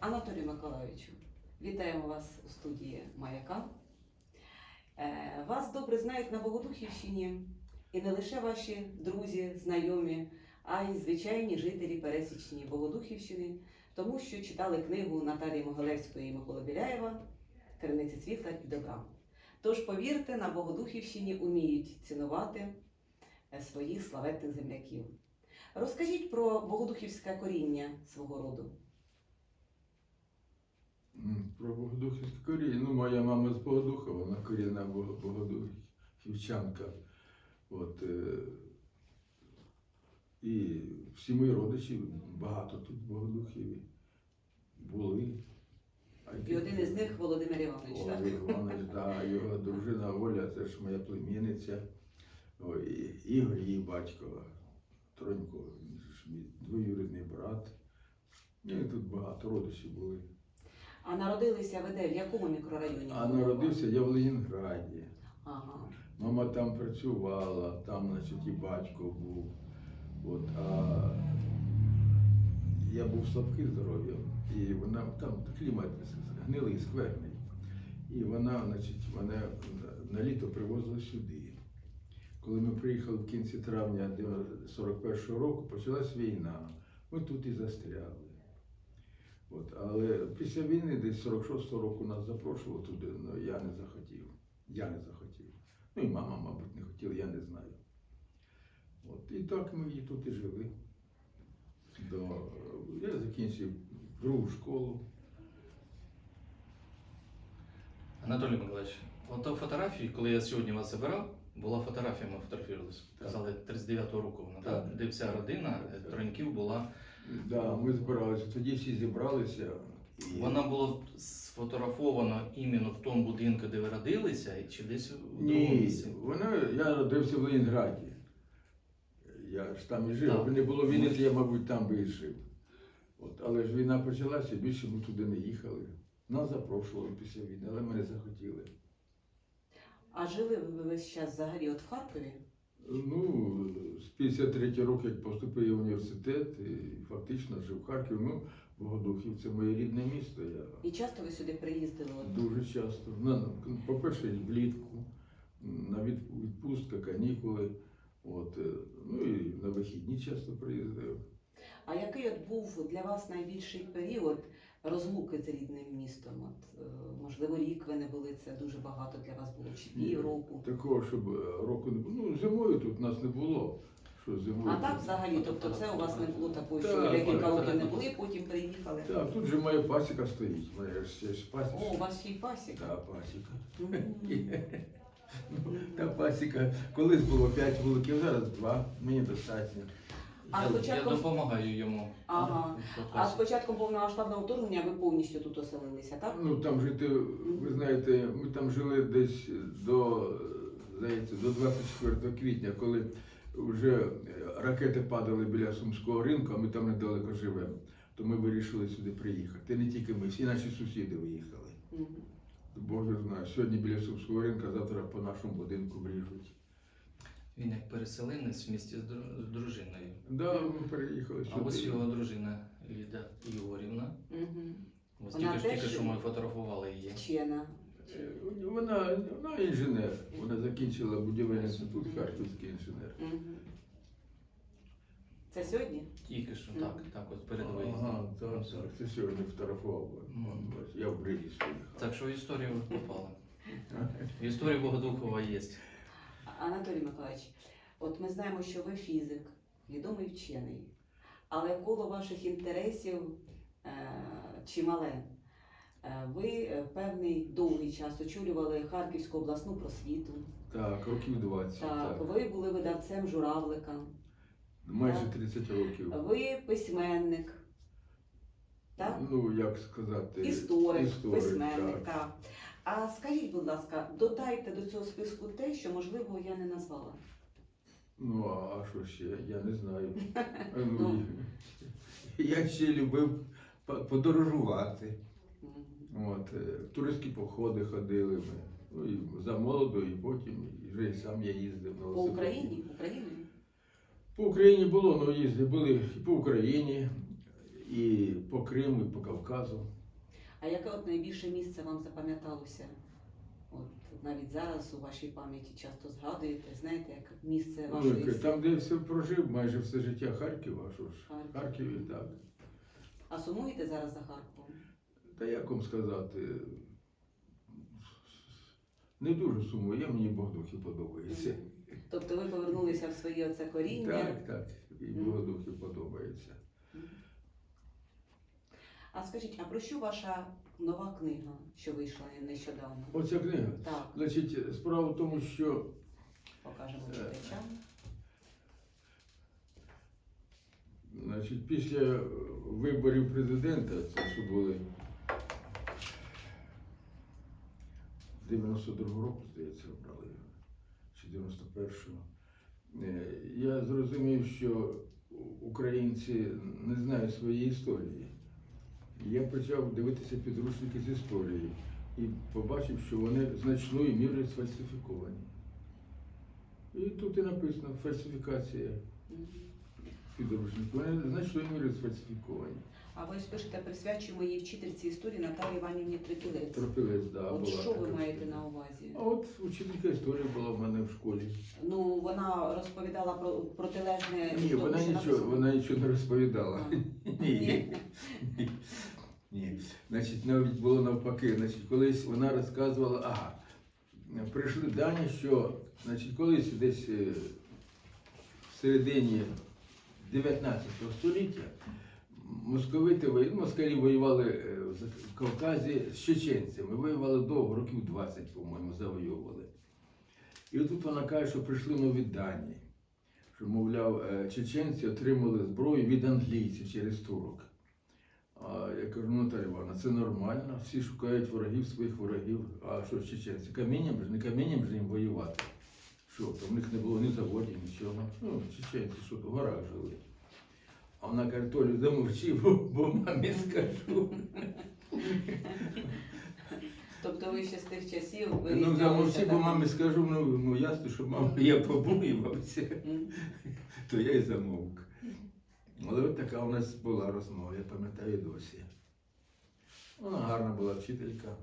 Анатолію Миколайовичу, вітаємо вас у студії «Маяка». Вас добре знають на Богодухівщині і не лише ваші друзі, знайомі, а й звичайні жителі пересічні Богодухівщини, тому що читали книгу Наталії Могилевської і Миколи Біляєва «Криниці світла і добра». Тож, повірте, на Богодухівщині уміють цінувати своїх славетних земляків. Розкажіть про богодухівське коріння свого роду. Про богодухівське коріння. Моя мама з Богодуха, вона корінна богодухівчанка. І всі мої родичі, багато тут Богодухів були. І один із них Володимир Іванович, так? Володимир Іванович, так, його дружина Оля, це ж моя племінниця. Ігор, її батько, Тронько, мій двоюрідний брат. І тут багато родичів були. А народилися ви де? В якому мікрорайоні? А народився я в Ленінграді. Ага. Мама там працювала, там, значить, і батько був. А я був слабкий здоров'ям, і вона там клімат гнилий, скверний. І вона, значить, мене на літо привозила сюди. Коли ми приїхали в кінці травня 41-го року, почалась війна. Ми тут і застряли. Але після війни, десь 46-го року нас запрошували туди, але я не захотів. Ну і мама, мабуть, не хотіла, я не знаю. І так ми і тут і жили. Я закінчив другу школу. Анатолій Миколаївич, ото фотографії, коли я сьогодні вас забирав, була фотографія, ми фотографувалися. Казали, 39-го року вона, так? Де вся родина Троньків була. Так, ми збиралися, тоді всі зібралися. Вона була сфотографована іменно в тому будинку, де ви родилися, чи десь в другому Ні, місці? я родився в Ленінграді. Я ж там і жив. Якби не було війни, то я, мабуть, там би і жив. Але ж війна почалася, більше ми туди не їхали. Нас запрошували після війни, але ми не захотіли. А жили ви весь час взагалі в Харкові? З 53 року, як поступив в університет, і фактично жив в Харкові. Богодухів – це моє рідне місто. І часто ви сюди приїздили? Дуже часто. По-перше, влітку, на відпустка, канікули. І на вихідні часто приїздив. А який був для вас найбільший період розлуки з рідним містом? Можливо, рік ви не були, це дуже багато для вас було, чи півроку? Такого, щоб року не було. Зимою тут нас не було. А так взагалі, тобто це у вас не було такого, що ви декілька років не були, потім приїхали? Так, тут же моя пасіка стоїть. О, у вас ще й пасіка? Так, пасіка. Та пасіка. Колись було 5 вуликів, зараз 2. Мені достатньо. Я допомагаю йому. Ага. А з початком повномасштабного вторгнення ви повністю тут оселилися, так? Там жити, ви знаєте, ми там жили десь до 24 квітня, коли вже ракети падали біля Сумського ринку, а ми там недалеко живемо. То ми вирішили сюди приїхати. І не тільки ми, всі наші сусіди виїхали. Бог його знає, сьогодні біля Сумського ринку, завтра по нашому будинку вріжуть. Він як переселенець в місті з дружиною. Так, ми переїхали сюди. А ось його дружина Ліда Ігорівна. Ось тільки що ми фотографували її. Вчена. Вона інженер. Вона закінчила будівельний інститут, харківський інженер. Це сьогодні? Тільки що, так, от перед виїздом. Ага, так, це сьогодні фотографував. Я в Бриді стояв. Так що в історію ви попали. В історії Богодухова є. Анатолій Миколаївич, от ми знаємо, що ви фізик, відомий вчений, але коло ваших інтересів чимале. Ви певний довгий час очолювали Харківську обласну просвіту. Так, років 20. Так, ви були видавцем журавлика. Майже 30 років. Ви письменник. Так? Як сказати? Історик, письменник, так. А скажіть, будь ласка, додайте до цього списку те, що, можливо, я не назвала. А що ще? Я не знаю. Я ще любив подорожувати. В туристські походи ходили ми. І за молоду, і потім, і вже і сам я їздив на велосипеді. По Україні? По Україні було, їздили, були і по Україні, і по Криму, і по Кавказу. А яке от найбільше місце вам запам'яталося? От навіть зараз у вашій пам'яті часто згадуєте, знаєте, як місце вашої Ну, там, де я все прожив, майже все життя Харків, а що ж, Харків. Харків і так. А сумуєте зараз за Харковом? Та як вам сказати, не дуже сумую, мені Богодухів подобається. Тобто ви повернулися в своє оце коріння? Так, і Богодухів подобається. А скажіть, а про що ваша нова книга, що вийшла нещодавно? Оця книга. Так, Значить, справа в тому, що покажемо читачам. значить, після виборів президента, це що були 92-го року, здається, обрали його, чи 91-го, я зрозумів, що українці не знають своєї історії. Я почав дивитися підручники з історії і побачив, що вони значною мірою сфальсифіковані. І тут і написано фальсифікація підручників. Вони значною мірою сфальсифіковані. А ви ж пишете, присвячуємо її вчительці історії Наталії Іванівні Трипілець. Тропилець, да, От була що ви така маєте вчителька. на увазі? А от учителька історії була в мене в школі. Ну, вона розповідала про протилежне. Ні, тому, вона що нічого, написано. вона нічого не розповідала. А. Ні. Ні. Значить, навіть було навпаки. Значить, колись вона розказувала, прийшли дані, що значить, колись десь в середині 19 століття москалі воювали в Кавказі з чеченцями. Воювали довго, років 20, по-моєму, завоювали. І тут вона каже, що прийшли нові дані, що, мовляв, чеченці отримали зброю від англійців через турок. А я кажу, Наталя Івановна, це нормально, всі шукають ворогів своїх ворогів. А що ж чеченці? Камінням ж, не камінням ж їм воювати. Що, там в них не було ні заводів, нічого. Ну, чеченці, що, в горах жили. А вона каже, Толю, замовчи, бо мамі скажу. Тобто ви ще з тих часів Ну, вирізнялися, замовчи, бо так? мамі скажу, ну ясно, що мама, я побоювався, М. то я й замовк. Але от така у нас була розмова, я пам'ятаю досі. Вона гарна була вчителька.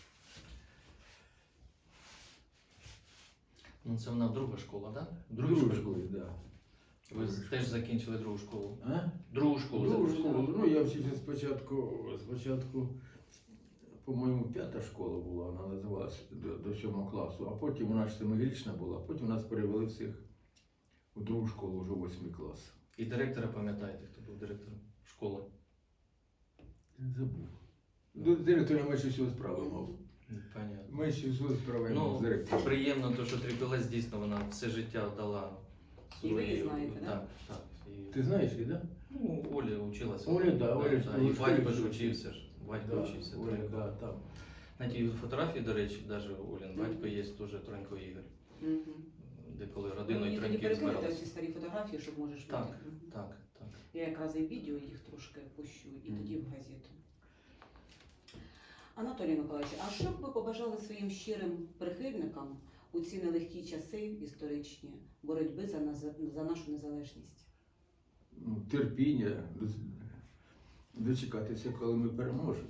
Ну, це вона друга школа, так? Другу школу, так. Да. Ви теж закінчили другу школу. А? Другу школу Другу закінчили. школу. Ну, я вчився спочатку, по-моєму, 5-та школа була, вона називалася до 7 класу, а потім вона ж 7-річна була, потім нас перевели всіх у другу школу, вже 8 клас. І директора пам'ятаєте, хто був директором школи? Забув. До директора менше всього справи мав. Понятно. Менше всього справи мав з Ну, директором. приємно, то, що Трипілець дійсно вона все життя дала І ви її знаєте, да? Так, так. І... Ти знаєш її, так? Ну, Оля вчилася. Оля, да, Оля ж да. була І в батько школі ж вчився. учився ж. Батько вчився. Оля, Тронько. да, там. На тій фотографії, до речі, навіть Олін батько є теж Тронько Ігор, Мгм. де коли Ви родиною мені тоді Троньків перекинете збиралися. ці старі фотографії, щоб можеш Так. бути. Мгм. Так, так. Я якраз і відео їх трошки пущу, і Мгм. тоді в газету. Анатолій Миколаївич, а що б ви побажали своїм щирим прихильникам у ці нелегкі часи історичні боротьби за нашу незалежність? Ну, терпіння, дочекатися, коли ми переможемо.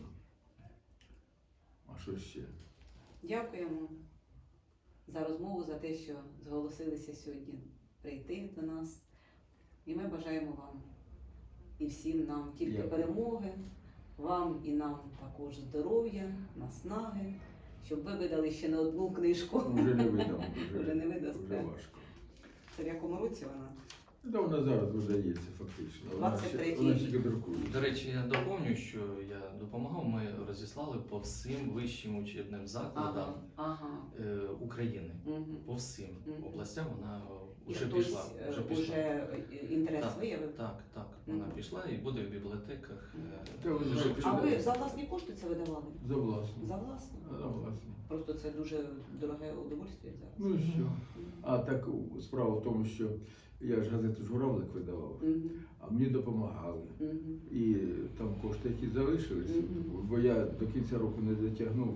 А що ще? Дякуємо за розмову, за те, що зголосилися сьогодні прийти до нас. І ми бажаємо вам і всім нам тільки Дякую. перемоги, вам і нам також здоров'я, наснаги, щоб ви видали ще не одну книжку. Вже не видам, Вже не видасте. вже важко. Це в якому році вона? Та вона зараз видається фактично. Вона ще 23-й вона рік. тільки друкується. До речі, я доповню, що я допомагав, ми розіслали по всім вищим учебним закладам Ага. України. Угу. По всім Мгм. областям вона І вже хтось пішла. Вже пішла. уже інтерес Так, виявив? Так, так, вона Мгм. пішла і буде в бібліотеках. Та ви Вже знаєте, пішла. А ви за власні кошти це видавали? За власне. За власні? За власне. Просто це дуже дороге удовольствие зараз. Ну і що? А так справа в тому, що я ж газету «Журавлик» видавав, Мгм. а мені допомагали. Мгм. І там кошти, які залишились, Мгм. бо я до кінця року не дотягнув,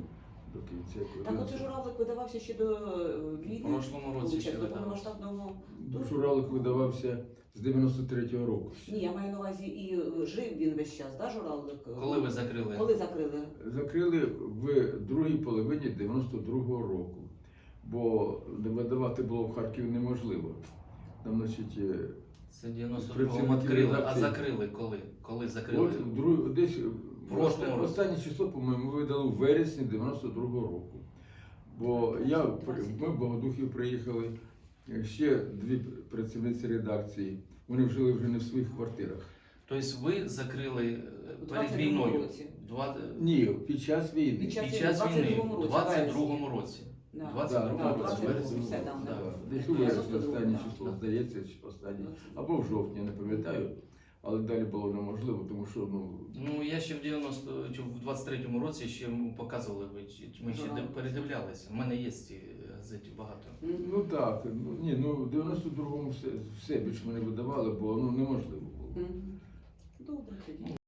до кінця. Так оце журавлик видавався ще до війни. В прошлому році ще до видавався. повномасштабного. Журавлик видавався з 93-го року. Ні, я маю на увазі і жив він весь час, да, журавлик? Коли ви закрили? Коли закрили? Закрили в другій половині 92-го року, бо видавати було в Харкові неможливо. Там, значить, Це 92-му Працівники відкрили, а редакції. закрили коли? Коли закрили? десь прошлому році. останнє число, по-моєму, видали в вересні 92-го року. Бо ми в Богодухів приїхали, ще дві працівниці редакції, вони жили вже не в своїх квартирах. Тобто ви закрили У перед 22-му війною? році. Ні, під час війни. Під час Під час війни, війни, в у 22-му році. Да. 22-му Да, році, 22-му вересня. все, да, Да. Десь у вересні 92-му, останнє да. число, здається, останнє. Або в жовтні, я не пам'ятаю. Але далі було неможливо, тому що Ну, я ще в 90 чи в 23-му році ще показували, ми ще передивлялися. У мене є ці газети багато. ну так, в 92-му все більше мене видавали, бо неможливо було. Добре тоді.